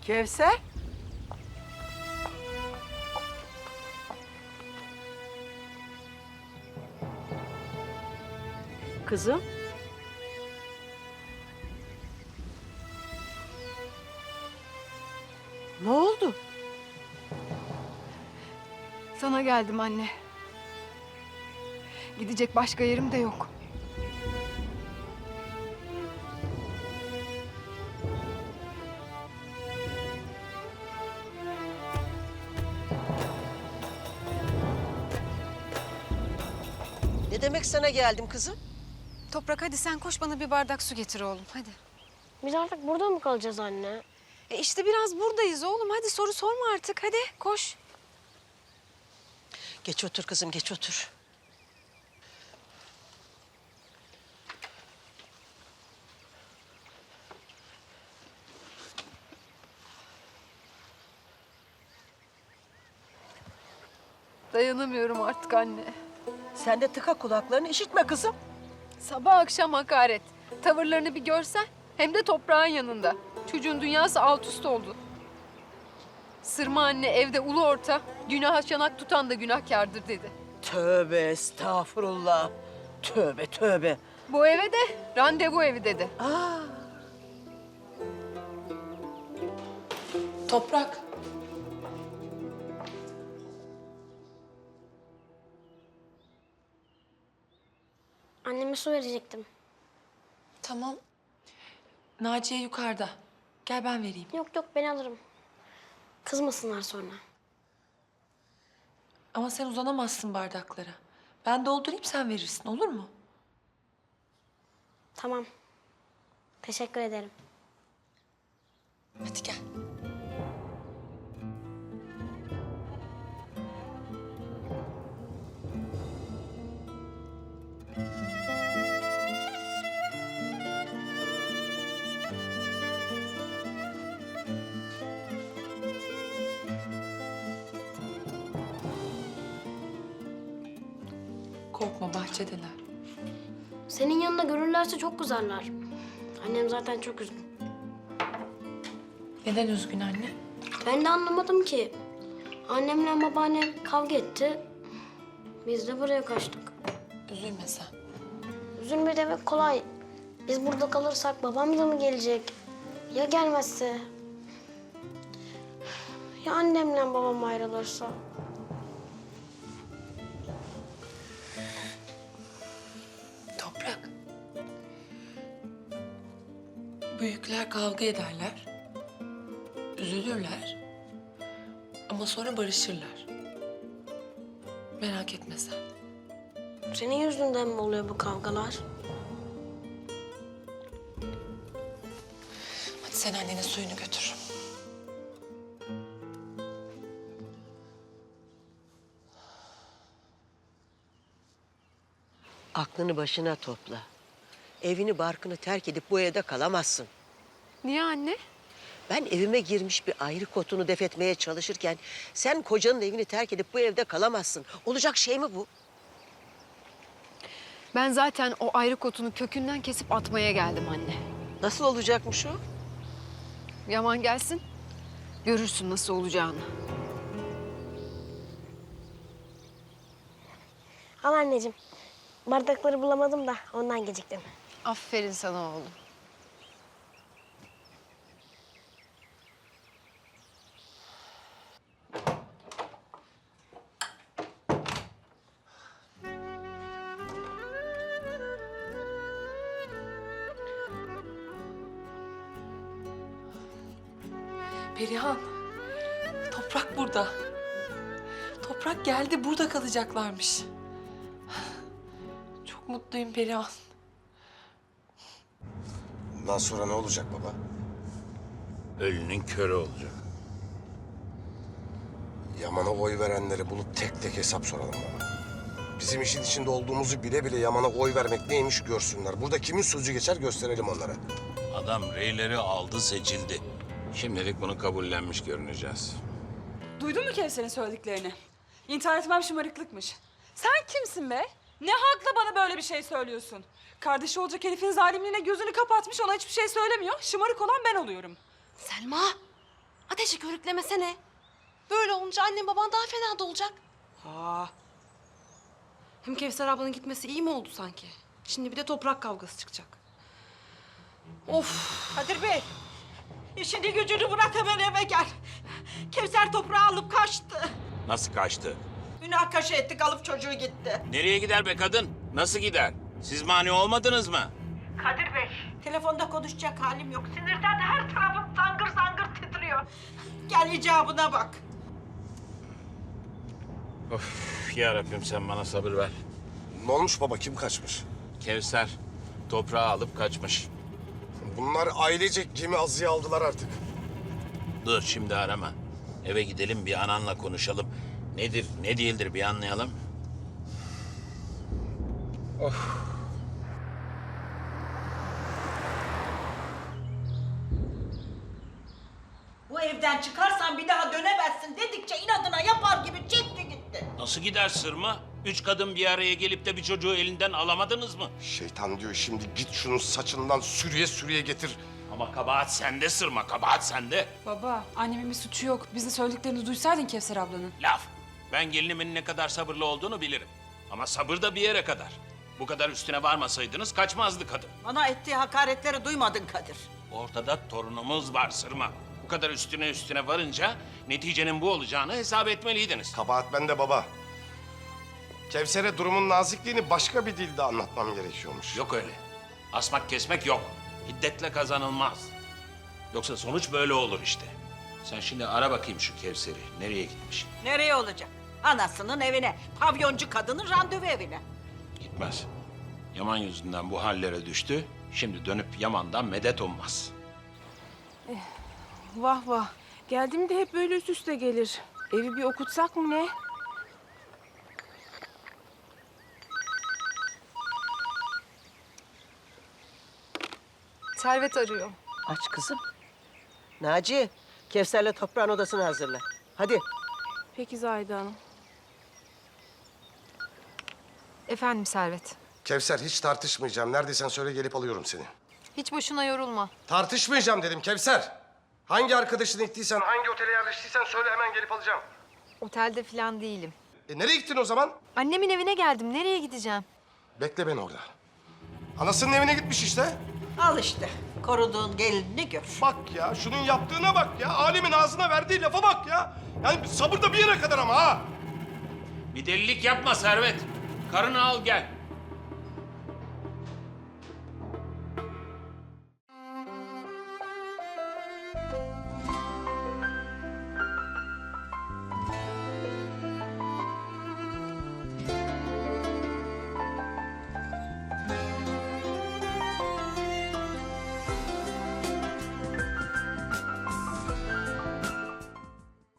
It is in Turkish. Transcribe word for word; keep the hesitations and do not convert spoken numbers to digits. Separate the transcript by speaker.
Speaker 1: Kevser. Kızım. Ne oldu?
Speaker 2: Sana geldim anne. Gidecek başka yerim de yok.
Speaker 1: Ne demek sana geldim kızım?
Speaker 3: Toprak hadi sen koş bana bir bardak su getir oğlum hadi.
Speaker 4: Biz artık burada mı kalacağız anne?
Speaker 3: E işte biraz buradayız oğlum hadi soru sorma artık hadi koş.
Speaker 1: Geç otur kızım, geç otur.
Speaker 2: Dayanamıyorum artık anne.
Speaker 1: Sen de tıka kulaklarını, işitme kızım.
Speaker 2: Sabah akşam hakaret. Tavırlarını bir görsen. Hem de toprağın yanında. Çocuğun dünyası alt üst oldu. Sırma anne evde ulu orta, günaha çanak tutan da günahkardır dedi.
Speaker 1: Tövbe estağfurullah. Tövbe tövbe.
Speaker 2: Bu eve de randevu evi dedi.
Speaker 1: Aa,
Speaker 5: Toprak.
Speaker 4: Anneme su verecektim.
Speaker 5: Tamam. Naciye yukarıda. Gel ben vereyim.
Speaker 4: Yok yok ben alırım. Kızmasınlar sonra.
Speaker 5: Ama sen uzanamazsın bardaklara. Ben doldurayım sen verirsin olur mu?
Speaker 4: Tamam. Teşekkür ederim.
Speaker 5: Hadi gel. Korkma bahçedeler.
Speaker 4: Senin yanında görürlerse çok kızarlar. Annem zaten çok üzgün.
Speaker 5: Neden üzgün anne?
Speaker 4: Ben de anlamadım ki. Annemle babaannem kavga etti. Biz de buraya kaçtık.
Speaker 5: Üzülme sen.
Speaker 4: Üzülme demek kolay. Biz burada kalırsak babam da mı gelecek? Ya gelmezse? Ya annemle babam ayrılırsa?
Speaker 5: Toprak. Büyükler kavga ederler. Üzülürler. Ama sonra barışırlar. Merak etme sen.
Speaker 4: Senin yüzünden mi oluyor bu kavgalar?
Speaker 5: Hadi sen annenin suyunu götür.
Speaker 1: aklını başına topla. Evini barkını terk edip bu evde kalamazsın.
Speaker 2: Niye anne?
Speaker 1: Ben evime girmiş bir ayrı kotunu def etmeye çalışırken sen kocanın evini terk edip bu evde kalamazsın. Olacak şey mi bu?
Speaker 2: Ben zaten o ayrı kotunu kökünden kesip atmaya geldim anne.
Speaker 1: Nasıl olacakmış o?
Speaker 2: Yaman gelsin, görürsün nasıl olacağını.
Speaker 4: Al anneciğim. Bardakları bulamadım da ondan geciktim.
Speaker 2: Aferin sana oğlum.
Speaker 5: Perihan, Toprak burada. Toprak geldi, burada kalacaklarmış. Çok mutluyum Perihan.
Speaker 6: Bundan sonra ne olacak baba?
Speaker 7: Ölünün körü olacak.
Speaker 6: Yaman'a oy verenleri bulup tek tek hesap soralım baba. Bizim işin içinde olduğumuzu bile bile Yaman'a oy vermek neymiş görsünler. Burada kimin sözü geçer gösterelim onlara.
Speaker 7: Adam reyleri aldı, seçildi. Şimdilik bunu kabullenmiş görüneceğiz.
Speaker 8: Duydun mu Kevser'in söylediklerini? İntihar etmem şımarıklıkmış. Sen kimsin be? Ne hakla bana böyle bir şey söylüyorsun? Kardeşi olacak herifin zalimliğine gözünü kapatmış, ona hiçbir şey söylemiyor. Şımarık olan ben oluyorum.
Speaker 3: Selma Ateşi körüklemesene. Böyle olunca annem baban daha fena da olacak.
Speaker 8: Aa,
Speaker 3: Hem Kevser ablanın gitmesi iyi mi oldu sanki? Şimdi bir de toprak kavgası çıkacak. Of.
Speaker 9: Kadir Bey, işini gücünü bırak hemen eve gel. Kevser toprağı alıp kaçtı.
Speaker 7: Nasıl kaçtı?
Speaker 9: Münakaşa ettik, alıp çocuğu gitti.
Speaker 7: Nereye gider be kadın? Nasıl gider? Siz mani olmadınız mı?
Speaker 9: Kadir Bey, telefonda konuşacak halim yok. Sinirden her tarafım zangır zangır titriyor. Gel icabına bak.
Speaker 7: Of ya Rabbim sen bana sabır ver.
Speaker 6: Ne olmuş baba, kim kaçmış?
Speaker 7: Kevser toprağı alıp kaçmış.
Speaker 6: Bunlar ailecek gemi azıya aldılar artık.
Speaker 7: Dur şimdi arama. Eve gidelim bir ananla konuşalım. Nedir ne değildir bir anlayalım.
Speaker 9: Bu evden çıkarsan bir daha dönemezsin dedikçe inadına yapar gibi çekti gitti.
Speaker 7: Nasıl gider sırma? Üç kadın bir araya gelip de bir çocuğu elinden alamadınız mı?
Speaker 6: Şeytan diyor şimdi git şunun saçından sürüye sürüye getir.
Speaker 7: Ama kabahat sende sırma, kabahat sende.
Speaker 8: baba, annemin bir suçu yok. Biz de söylediklerini duysaydın Kevser ablanın.
Speaker 7: Laf. Ben gelinimin ne kadar sabırlı olduğunu bilirim. Ama sabır da bir yere kadar. Bu kadar üstüne varmasaydınız kaçmazdı kadın.
Speaker 9: Bana ettiği hakaretleri duymadın Kadir.
Speaker 7: Ortada torunumuz var sırma. Bu kadar üstüne üstüne varınca neticenin bu olacağını hesap etmeliydiniz.
Speaker 6: Kabahat bende baba. Kevser'e durumun nazikliğini başka bir dilde anlatmam gerekiyormuş.
Speaker 7: Yok öyle. Asmak kesmek yok. Hiddetle kazanılmaz. Yoksa sonuç böyle olur işte. Sen şimdi ara bakayım şu Kevser'i. Nereye gitmiş?
Speaker 9: Nereye olacak? Anasının evine, pavyoncu kadının randevu evine.
Speaker 7: Gitmez. Yaman yüzünden bu hallere düştü. Şimdi dönüp Yaman'dan medet ummaz.
Speaker 10: Vah vah. Geldiğimde hep böyle üst üste gelir. Evi bir okutsak mı ne?
Speaker 2: Servet arıyor.
Speaker 1: Aç kızım. Naci, Kevser'le toprağın odasını hazırla. Hadi.
Speaker 10: Peki Zahide Hanım.
Speaker 2: Efendim Servet.
Speaker 6: Kevser hiç tartışmayacağım. Neredeysen söyle gelip alıyorum seni.
Speaker 2: Hiç boşuna yorulma.
Speaker 6: Tartışmayacağım dedim Kevser. Hangi arkadaşını ittiysen, hangi otele yerleştiysen söyle hemen gelip alacağım.
Speaker 2: Otelde falan değilim.
Speaker 6: E nereye gittin o zaman?
Speaker 2: Annemin evine geldim. Nereye gideceğim?
Speaker 6: Bekle beni orada. Anasının evine gitmiş işte.
Speaker 9: Al işte, koruduğun gelinini gör.
Speaker 6: Bak ya, şunun yaptığına bak ya. Alemin ağzına verdiği lafa bak ya. Yani sabır da bir yere kadar ama ha.
Speaker 7: Bir delilik yapma Servet. Karını al gel.